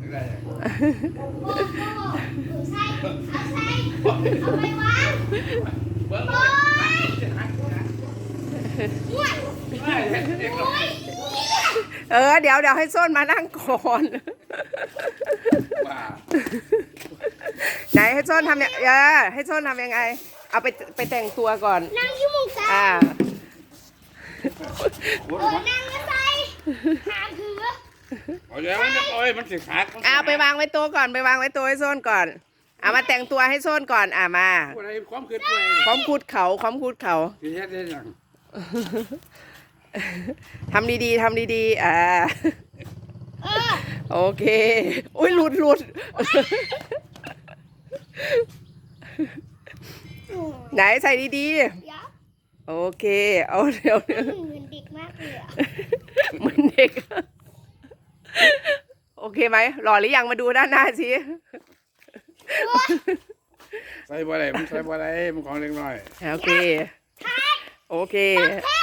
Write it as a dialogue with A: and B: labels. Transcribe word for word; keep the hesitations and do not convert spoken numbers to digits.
A: ได้
B: ใช่เอาใช่เอาไปวางโอ้ยง่วยโอ้ย
C: เออเดี๋ยวเดี๋ยวให้ส้นมานั่งก่อนไหนให้ส้นทำเนี่ยเออให้ส้นทำยังไงเอาไปไปแต่งตัวก่อน
B: นั่งที่มุมซ้าย
C: อ่า
B: เออนั่งก็ใส่หาถือ
A: เอาแล้วมันจะโอ้ยมันสิขาด
C: เอาไปวางไว้โต๊ะก่อนไปวางไว้โต๊ะให้ส้นก่อนเอามาแต่งตัวให้ส้นก่อนอ่ามา
A: อะไรความคืดไป
C: พร้อมคูดเขาพร้อมคูดเขา
A: ที่เฮ็ดได้ยัง
C: ทำดีๆทำดีๆอ่า
B: เออ
C: โอเคอุ้ยหลุดหลุดไหนใส่ดี
B: เดี๋ยว
C: ๆโอเคเอาเดี๋ยว
B: เหมือนเด็กมากเลยอ่ะ
C: เหมือนเด็กโอเคไหมหล่อหรือยังมาดูด้านหน้าสิ
A: ใส่บ่ได้มันใส่บ่ได้มันของเล็กน้อย
C: โอเคโอเค
B: เท่